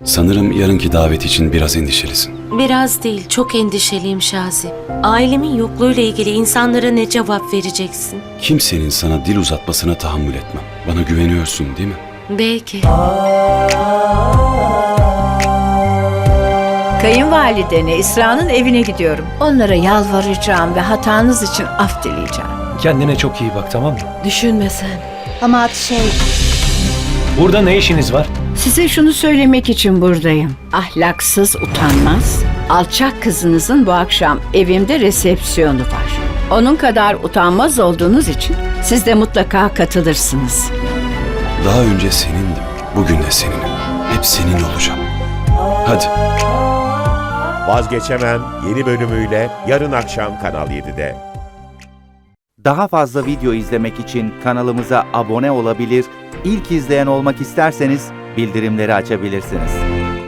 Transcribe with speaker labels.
Speaker 1: Sanırım yarınki davet için biraz endişelisin.
Speaker 2: Biraz değil, çok endişeliyim Şazi. Ailemin yokluğuyla ilgili insanlara ne cevap vereceksin?
Speaker 1: Kimsenin sana dil uzatmasına tahammül etmem. Bana güveniyorsun değil mi?
Speaker 2: Belki.
Speaker 3: Kayınvalidene, İsra'nın evine gidiyorum. Onlara yalvaracağım ve hatanız için af dileyeceğim.
Speaker 4: Kendine çok iyi bak, tamam mı?
Speaker 2: Düşünme sen.
Speaker 5: Ama
Speaker 4: Burada ne işiniz var?
Speaker 3: Size şunu söylemek için buradayım. Ahlaksız, utanmaz, alçak kızınızın bu akşam evimde resepsiyonu var. Onun kadar utanmaz olduğunuz için siz de mutlaka katılırsınız.
Speaker 1: Daha önce senindim. Bugün de seninim. Hep senin olacağım. Hadi.
Speaker 6: Vazgeçemem yeni bölümüyle yarın akşam Kanal 7'de.
Speaker 7: Daha fazla video izlemek için kanalımıza abone olabilir, ilk izleyen olmak isterseniz bildirimleri açabilirsiniz.